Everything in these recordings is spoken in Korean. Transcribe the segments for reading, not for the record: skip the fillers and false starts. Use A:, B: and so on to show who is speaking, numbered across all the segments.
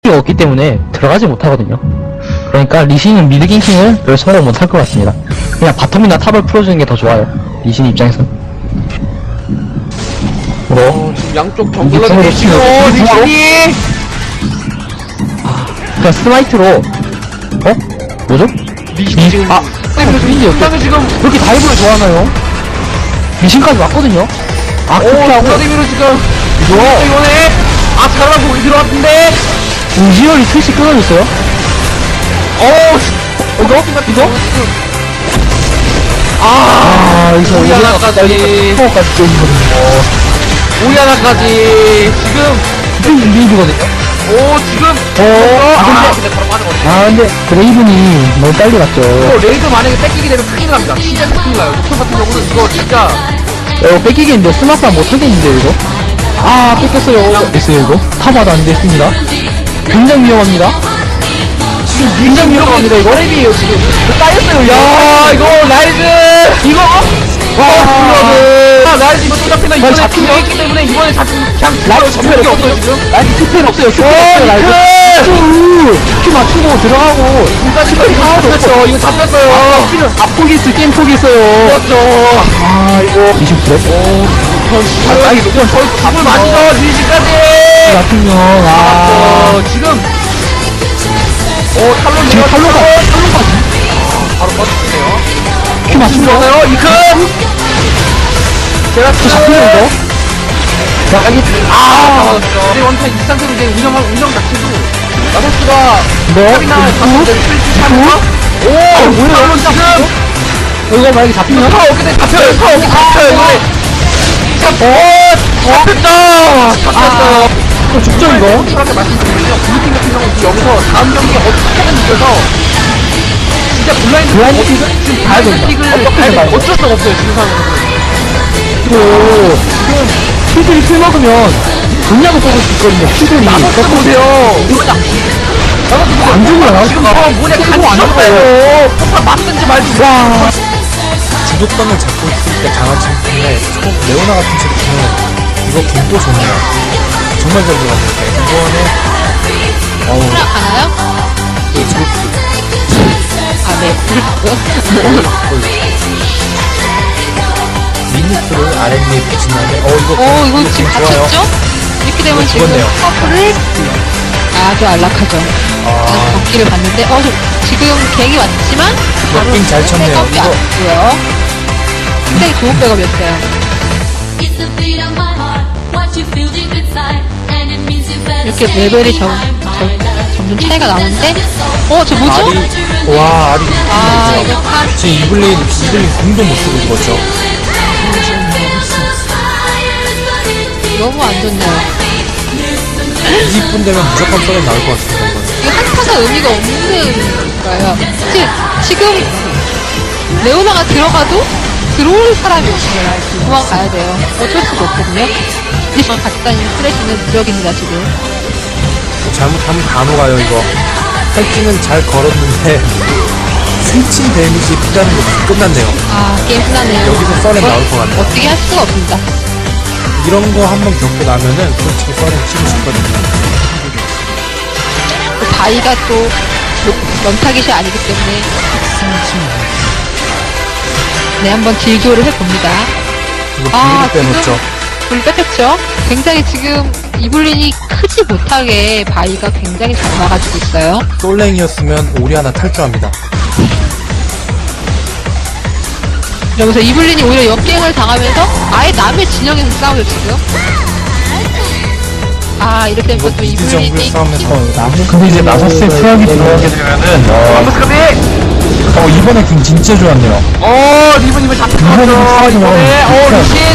A: 스마이트가 없기 때문에 들어가지 못하거든요. 그러니까 리신은 미드 갱킹을 별 성공 못할 것 같습니다. 그냥 바텀이나 탑을 풀어주는 게 더 좋아요. 리신 입장에선.
B: 지금 양쪽 정글러들이
A: 이게
B: 지금
A: 바로
B: 리신이
A: 그냥 스마이트로 뭐죠?
B: 리신이 지금
A: 리신이
B: 그다음에 지금
A: 그렇게 다이브를 좋아하나요? 리신까지 왔거든요? 그렇게 하고
B: 블라디미로 지금
A: 이거
B: 이번에 잘하고 거기 들어왔는데
A: 우지열이 트위치 끊어졌어요? 이거? 여기서
B: 오리아나까지
A: 파워까지 깨지거든요.
B: 오리아나까지 지금
A: 리이브거든요?
B: 지금 근데 바로 빠져버려.
A: 근데 그레이븐이 너무 빨리 갔죠.
B: 레이드 만약에 뺏기게 되면 큰일 납니다. 진짜 큰일 나요. 저 같은 경우는 이거 진짜
A: 이거 뺏기겠는데 스마트가 못하겠는데 이거? 뺏겼어요. 됐어요 이거? 타봐도 안 됐습니다. 굉장히 위험합니다. 굉장히 위험합니다 이거.
B: 랩이에요 지금.
A: 따였어요.
B: 야 이거 라이즈 이거 라이즈 이거 또 잡히나 이번에
A: 잡히죠?
B: 팀이 있기 때문에 이번에 잡히면 그냥
A: 라이즈
B: 잡힐 게 없어요 지금.
A: 라이즈 큐펜 없어요. 큐펜 없어요. 라이즈. 큐 맞추고 들어가고.
B: 일단 이거 잡혔죠. 이거 잡혔어요.
A: 포기했어요. 게임 포기했어요.
B: 그렇죠.
A: 이거 20%?
B: 이거 거의 답을 맞죠 리시까지.
A: 같으면
B: 지금 탈론
A: 지금 탈론까지
B: 바로 꺼주세요.
A: 큐 맞춘 거
B: 좋아요 이큰 제가
A: 잡히는 거?
B: 맞았죠. 이제 원타임 이 상태로 이제 운영 자체도 나서스가
A: 네.
B: 탑이나 가서 스위치 하면서
A: 뭐야?
B: 탈론 지금
A: 이거 만약에 잡히면?
B: 어깨에 잡혀요. 이번에 잡혔죠.
A: 죽죠 이거?
B: 솔직하게 말씀드리면요. 블루팀 같은 경우는 여기서 다음 경기에 어떻게든 이겨서 진짜 블라인드 지금
A: 가야 된다.
B: 픽을
A: 어떻게든
B: 가야
A: 가야
B: 돼. 어쩔 수가 없어요 지금 상황에서는.
A: 그리고 퀴들이 풀 먹으면 분야도 뽑을 수 있거든요. 퀴들이
B: 나서스 보세요.
A: 안 죽어요.
B: 지금 뭐냐 간지럽어요. 폭파 맞든지 말든지.
A: 와
C: 주도권을 잡고 있을 때 강한 친구 때문에 조금 레오나 같은 친구는 이거 김도 좋네요. 정말 잘 들어갔는데 이번에
D: 가나요? 네.
C: 미니프를 아랫니에 붙인 다음에
D: 이거 지금
C: 좋아요.
D: 갇혔죠? 이렇게 되면 지금
C: 죽었네요.
D: 커플을 아주 안락하죠. 바퀴를 봤는데, 지금 갱이 왔지만, 바로
C: 빙잘 쳤네요.
D: 백업이
C: 이거.
D: 왔고요. 굉장히 좋은 백업이었어요. 이렇게 레벨이 점점 차이가 나는데, 저 뭐죠?
C: 알이
D: 이거 참,
C: 지금 이블린 궁도 못 쓰고 죽었죠.
D: 너무 안 좋네요.
C: 20분 되면 무조건 썰에 나올 것 같습니다. 이거는.
D: 이거 한타가 의미가 없는 거예요. 지금 레오나가 들어가도 들어올 사람이 없어요. 도망가야 돼요. 어쩔 수가 없거든요. 이번 같이 다니는 프레시는 무력입니다 지금.
C: 잘못하면 다 녹아요 이거. 탈진은 잘 걸었는데 스위칭 데미지 피다는 거 끝났네요.
D: 게임 끝나네요.
C: 여기서 썰에 나올 것 같네요.
D: 어떻게 할 수가 없습니다.
C: 이런 거 한번 겪고 나면은 솔직히 썰에 치고 싶거든요.
D: 바위가 또 런타깃이 아니기 때문에 한번 딜교를 해봅니다.
C: 이거 비밀을 빼놓죠.
D: 불 뺏겼죠? 굉장히 지금 이블린이 크지 못하게 바위가 굉장히 잘 막아주고 있어요.
C: 솔랭이었으면 오리 하나 탈주합니다.
D: 여기서 이블린이 오히려 역갱을 당하면서 아예 남의 진영에서 싸우죠 지금. 이렇게 되면 또
C: 미드
D: 이블린이
C: 정글 싸움에서
A: 근데 이제 나서스의 투약이 들어오게 되면은
C: 이번에 궁 진짜 좋았네요.
B: 리븐
A: 이번에
B: 잡혔죠. 이번에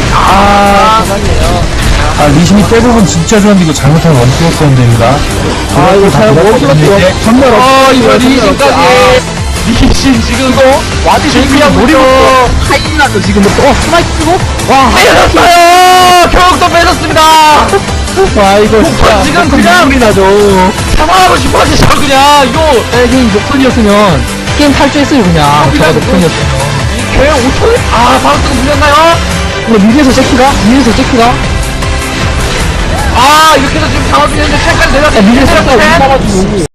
B: 리신
A: 리신이 대부분 진짜 좋았는데 이거 잘못하면 원투였어야 됩니다. 이거 잘 원투였어요. 정말
B: 이번 리신까지. 리신 지금 이거
A: 와드
B: 준비하고 있죠.
A: 하이라도 지금 스마이트 쓰고
B: 뺏었어요. 결국 뺏었습니다.
A: 이거 진짜
B: 지금 그냥
A: 소리 나죠.
B: 사망하고 싶어지죠 그냥 이거.
A: 게임 녹턴이었으면 게임 탈주했어요 그냥. 저가 녹턴이었어요.
B: 걔 5천? 바로 또 물렸나요?
A: 이거 미드에서 제키가
B: 이렇게 해서 지금 장화준이 현재 체크까지
A: 야, 미드
B: 내렸는데
A: 싹다
B: 셋.
A: 올라가지고.